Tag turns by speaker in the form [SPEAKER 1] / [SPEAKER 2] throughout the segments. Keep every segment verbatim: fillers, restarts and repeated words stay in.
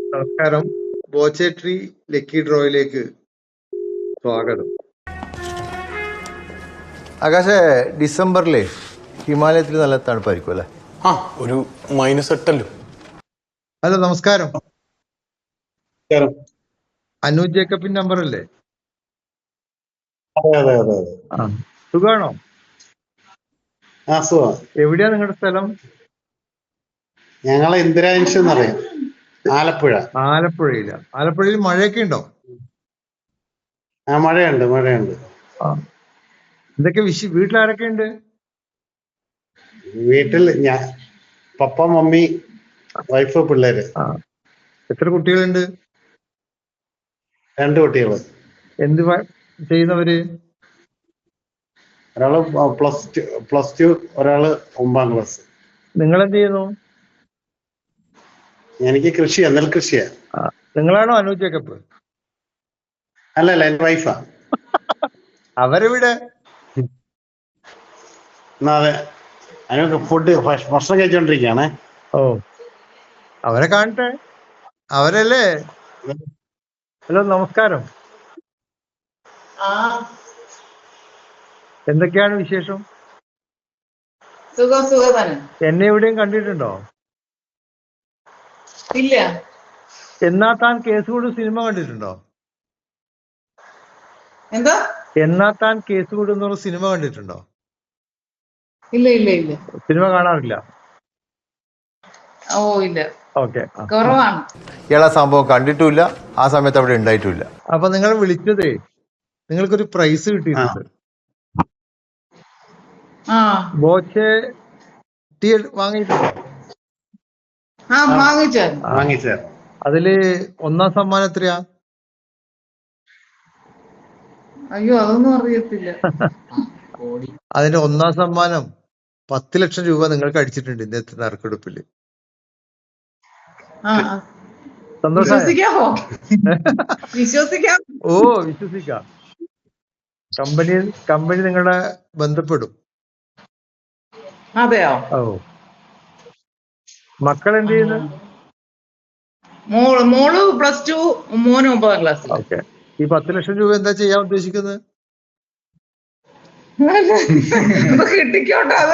[SPEAKER 1] നമസ്കാരം. ബോച്ചേട്രി ലക്കി ഡ്രോയിലേക്ക് സ്വാഗതം.
[SPEAKER 2] ആകാശേ, ഡിസംബറിലെ ഹിമാലയത്തിൽ നല്ല തണുപ്പായിരിക്കും അല്ലേ?
[SPEAKER 3] ആ, ഒരു മൈനസ് എട്ടല്ലോ.
[SPEAKER 1] ഹലോ, നമസ്കാരം. അനു ജേക്കബിൻ നമ്പർ അല്ലേ?
[SPEAKER 4] അതെ അതെ അതെ അതെ.
[SPEAKER 1] ആ, സുഖാണോ?
[SPEAKER 4] ആ, സുഖം.
[SPEAKER 1] എവിടെയാ നിങ്ങളുടെ സ്ഥലം?
[SPEAKER 4] ഞങ്ങളെ ഇന്ദിരാൻഷ് എന്നറിയാം, ആലപ്പുഴ.
[SPEAKER 1] ആലപ്പുഴയില. ആലപ്പുഴയിൽ മഴയൊക്കെ ഉണ്ടോ?
[SPEAKER 4] ആ, മഴയുണ്ട് മഴയുണ്ട്.
[SPEAKER 1] ആ, എന്തൊക്കെ വിഷ വീട്ടിലാരൊക്കെ ഉണ്ട്?
[SPEAKER 4] വീട്ടിൽ ഞാൻ, പപ്പ, മമ്മി, വൈഫ്, പിള്ളേര്.
[SPEAKER 1] ആ, എത്ര കുട്ടികളുണ്ട്?
[SPEAKER 4] രണ്ട് കുട്ടികള്.
[SPEAKER 1] എന്ത് പ- ചെയ്യുന്നവര്?
[SPEAKER 4] ഒരാള് പ്ലസ് ടു പ്ലസ് ടു ഒരാള് ഒമ്പതാം ക്ലാസ്.
[SPEAKER 1] നിങ്ങൾ എന്ത് ചെയ്യുന്നു?
[SPEAKER 4] എനിക്ക് കൃഷിയാ, നെൽകൃഷിയാ.
[SPEAKER 1] ആ, നിങ്ങളാണോ അനു ജേക്കബ്?
[SPEAKER 4] അല്ലല്ല, എന്റെ വൈഫാ.
[SPEAKER 1] അവരെവിടെ?
[SPEAKER 4] എന്നാ അതെ, അതിനൊക്കെ ഫുഡ് ഭക്ഷണം കഴിച്ചോണ്ടിരിക്കുകയാണേ.
[SPEAKER 1] ഓ, അവരെ കാണട്ടെ. അവരല്ലേ? ഹലോ, നമസ്കാരം. എന്തൊക്കെയാണ് വിശേഷം?
[SPEAKER 5] സുഖം സുഖം തന്നെ.
[SPEAKER 1] എന്നെ എവിടെയും കണ്ടിട്ടുണ്ടോ?
[SPEAKER 5] ഇല്ല.
[SPEAKER 1] എന്നാ താൻ കേസുകൂട് സിനിമ കണ്ടിട്ടുണ്ടോ?
[SPEAKER 5] എന്താ?
[SPEAKER 1] എന്നാ താൻ കേസുകൂട് എന്ന് പറഞ്ഞ സിനിമ കണ്ടിട്ടുണ്ടോ?
[SPEAKER 5] ഇല്ല ഇല്ല ഇല്ല.
[SPEAKER 1] സിനിമ കാണാറില്ല?
[SPEAKER 5] ഓ ഇല്ല,
[SPEAKER 1] ഓക്കെ.
[SPEAKER 5] കുറവാണ്.
[SPEAKER 2] ഇയാളെ സംഭവം കണ്ടിട്ടുമില്ല, ആ സമയത്ത് അവിടെ ഉണ്ടായിട്ടുമില്ല.
[SPEAKER 1] അപ്പൊ നിങ്ങൾ വിളിച്ചതേ, നിങ്ങൾക്കൊരു പ്രൈസ് കിട്ടിയിട്ടുണ്ട്.
[SPEAKER 5] ആ
[SPEAKER 1] ബോച്ചെ ടീ വാങ്ങിയിട്ടുണ്ടോ?
[SPEAKER 5] ആ വാങ്ങിച്ചായിരുന്നു.
[SPEAKER 4] വാങ്ങിച്ച
[SPEAKER 1] അതില് ഒന്നാം സമ്മാനം എത്രയാ?
[SPEAKER 5] അയ്യോ, അതൊന്നും അറിയത്തില്ല.
[SPEAKER 1] അതിന്റെ ഒന്നാം സമ്മാനം പത്ത് ലക്ഷം രൂപ നിങ്ങൾക്ക് അടിച്ചിട്ടുണ്ട് ഇന്നത്തെ നറുക്കെടുപ്പില്.
[SPEAKER 5] ആ ആ.
[SPEAKER 1] സന്തോഷായോ?
[SPEAKER 5] വിശ്വസിക്കാമോ? വിശ്വസിക്കാം.
[SPEAKER 1] ഓ, വിശ്വസിക്കാം. കമ്പനി കമ്പനി നിങ്ങളെ ബന്ധപ്പെടും.
[SPEAKER 5] അതെയോ?
[SPEAKER 1] ഓ, മക്കൾ എന്ത് ചെയ്യുന്നു?
[SPEAKER 5] മോള് മോള് പ്ലസ് ടു, മോന് ഒമ്പതാം ക്ലാസ്സിൽ.
[SPEAKER 1] ഓക്കെ. ഈ പത്ത് ലക്ഷം രൂപ എന്താ ചെയ്യാൻ ഉദ്ദേശിക്കുന്നത്?
[SPEAKER 5] കിട്ടിക്കോട്ടെ, അത്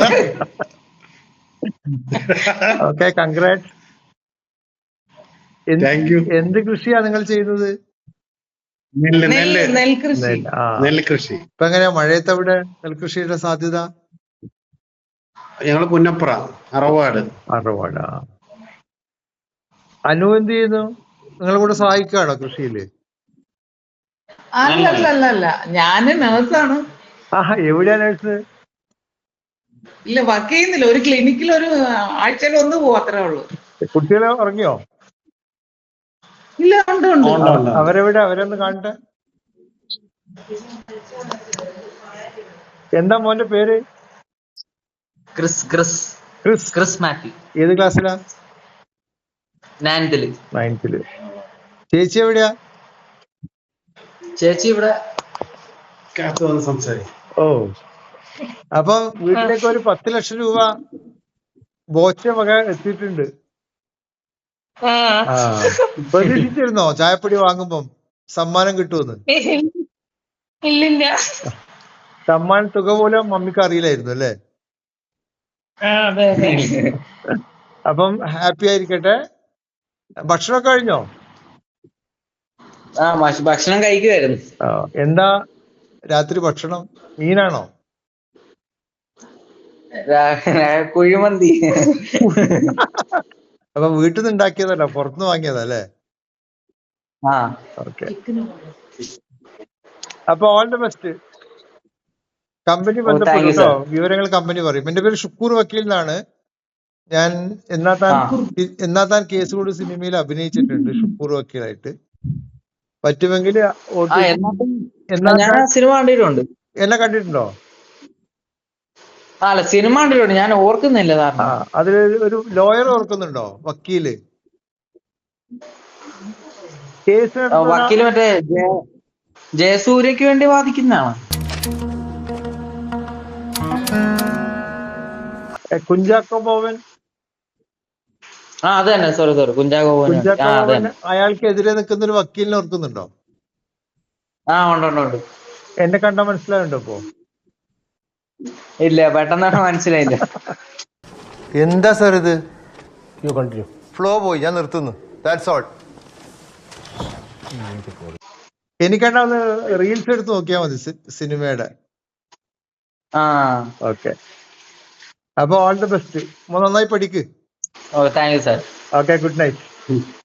[SPEAKER 1] ഓക്കെ, കൺഗ്രാറ്റ്.
[SPEAKER 4] Thank you.
[SPEAKER 1] എന്ത് കൃഷിയാ നിങ്ങൾ ചെയ്യുന്നത്?
[SPEAKER 4] നെല്ല് നെല്ല്
[SPEAKER 5] നെൽകൃഷി.
[SPEAKER 1] നെല്ല്. ആ,
[SPEAKER 4] നെൽകൃഷി.
[SPEAKER 1] ഇപ്പൊ എങ്ങനെയാ മഴയത്ത് അവിടെ നെൽകൃഷിയുടെ സാധ്യത?
[SPEAKER 4] ഞങ്ങള് പുന്നപ്ര, അറവാട്.
[SPEAKER 1] അറുപാട്. ആ, അനു എന്ത് ചെയ്യുന്നു? നിങ്ങൾ കൂടെ സഹായിക്കുകയാണോ കൃഷിയില്?
[SPEAKER 5] അല്ല അല്ല അല്ല അല്ല, ഞാന് നേഴ്സാണ്.
[SPEAKER 1] ആ, എവിടെയാ നേഴ്സ്?
[SPEAKER 5] ഇല്ല, വർക്ക് ചെയ്യുന്നില്ല. ഒരു ക്ലിനിക്കിൽ ഒരു ആഴ്ചയിൽ ഒന്ന് പോകും, അത്രേ ഉള്ളൂ.
[SPEAKER 1] കുട്ടികളെ ഉറങ്ങിയോ?
[SPEAKER 5] ഇല്ല, ഉണ്ട് ഉണ്ട്.
[SPEAKER 4] ഉണ്ട്, ഉണ്ട്.
[SPEAKER 1] അവരെവിടെ? അവരൊന്ന് കാണട്ടെ. എന്താ മോന്റെ പേര്?
[SPEAKER 6] ക്രിസ് ക്രിസ്
[SPEAKER 1] ക്രിസ്.
[SPEAKER 6] ക്രിസ് മാത്യു.
[SPEAKER 1] ഏത് ക്ലാസ്സിലാ?
[SPEAKER 6] നയൻത്തില്.
[SPEAKER 1] നയൻത്തില്. ചേച്ചി എവിടെയാ?
[SPEAKER 6] ചേച്ചി ഇവിടെ.
[SPEAKER 4] കാത്തു വന്ന് സംസാരിക്കും.
[SPEAKER 1] ഓ, അപ്പൊ വീട്ടിലേക്ക് ഒരു പത്ത് ലക്ഷം രൂപ ബോച്ച വക എത്തിയിട്ടുണ്ട്. ആ, പ്രതീക്ഷിച്ചിരുന്നോ ചായപ്പൊടി വാങ്ങുമ്പം സമ്മാനം കിട്ടുമെന്ന്?
[SPEAKER 7] ഇല്ലില്ല.
[SPEAKER 1] സമ്മാന തുക പോലും മമ്മിക്ക് അറിയില്ലായിരുന്നു അല്ലേ?
[SPEAKER 7] അതെ അതെ.
[SPEAKER 1] അപ്പം ഹാപ്പി ആയിരിക്കട്ടെ. ഭക്ഷണമൊക്കെ കഴിഞ്ഞോ?
[SPEAKER 6] ആ ഭക്ഷ- ഭക്ഷണം കഴിക്കുമായിരുന്നു.
[SPEAKER 1] ആ, എന്താ രാത്രി ഭക്ഷണം? മീനാണോ?
[SPEAKER 6] രാ- കുഴിമന്തി.
[SPEAKER 1] അപ്പൊ വീട്ടിൽ നിന്ന് ഉണ്ടാക്കിയതല്ല, പുറത്തുനിന്ന് വാങ്ങിയതാ അല്ലേ?
[SPEAKER 6] ആ
[SPEAKER 1] ഓക്കെ. അപ്പൊ ഓൾ ദി ബെസ്റ്റ്. കമ്പനി
[SPEAKER 6] ഓ,
[SPEAKER 1] ബന്ധപ്പെടും
[SPEAKER 6] താങ്ക് യു
[SPEAKER 1] കേട്ടോ.
[SPEAKER 6] സർ.
[SPEAKER 1] വിവരങ്ങൾ കമ്പനി പറയും. എന്റെ പേര് ഷുക്കൂർ വക്കീൽ എന്നാണ്. ഞാൻ എന്നാ താൻ
[SPEAKER 6] ആ.
[SPEAKER 1] എന്നാ താൻ കേസുകൂട് സിനിമയിൽ അഭിനയിച്ചിട്ടുണ്ട് ഷുക്കൂർ വക്കീലായിട്ട്. പറ്റുമെങ്കിൽ
[SPEAKER 6] ആ എന്നാ
[SPEAKER 1] എന്നാ
[SPEAKER 6] ഞാൻ
[SPEAKER 1] താൻ
[SPEAKER 6] ആ സിനിമ കണ്ടിട്ടുണ്ട്.
[SPEAKER 1] എന്നെ കണ്ടിട്ടുണ്ടോ?
[SPEAKER 6] ആ, അല്ല, സിനിമ കണ്ടിട്ടുണ്ട്, ഞാൻ ഓർക്കുന്നില്ല
[SPEAKER 1] ആ,
[SPEAKER 6] കാരണം.
[SPEAKER 1] അതിൽ ഒരു ലോയർ ഓർക്കുന്നുണ്ടോ? വക്കീല്. കേസ്
[SPEAKER 6] ആ,
[SPEAKER 1] നടത്തുന്ന
[SPEAKER 6] വക്കീല് മറ്റേ ജയ- ജയസൂര്യക്ക് വേണ്ടി വാദിക്കുന്നതാണ്.
[SPEAKER 1] കുഞ്ചാക്കോ ബോവൻ.
[SPEAKER 6] ആ അത് തന്നെ, സോറി സോറി, കുഞ്ചാക്കോ ബോബൻ. ആ
[SPEAKER 1] കുഞ്ചാക്കോ
[SPEAKER 6] അത്
[SPEAKER 1] ബോബൻ
[SPEAKER 6] തന്നെ.
[SPEAKER 1] അയാൾക്കെതിരെ നിൽക്കുന്ന ഒരു വക്കീലിനെ ഓർക്കുന്നുണ്ടോ?
[SPEAKER 6] ആ ഉണ്ട് ഉണ്ട് ഉണ്ട്.
[SPEAKER 1] എന്നെ കണ്ടാ മനസ്സിലാവുണ്ടോ ഇപ്പോ?
[SPEAKER 6] ഇല്ല, പെട്ടെന്ന് മനസ്സിലായില്ല.
[SPEAKER 2] എന്താ സാർ ഇത്?
[SPEAKER 3] You continue.
[SPEAKER 2] ഫ്ലോ പോയി, ഞാൻ നിർത്തുന്നു. That's all.
[SPEAKER 1] എനിക്കണ്ടാ ഒന്ന് റീൽസ് എടുത്ത് നോക്കിയാ മതി സി- സിനിമയുടെ.
[SPEAKER 6] ആ
[SPEAKER 1] ഓക്കെ, അപ്പൊ ഓൾ ദി ബെസ്റ്റ്. നന്നായി പഠിക്ക്.
[SPEAKER 6] ഓ thank you sir.
[SPEAKER 1] Okay, good night.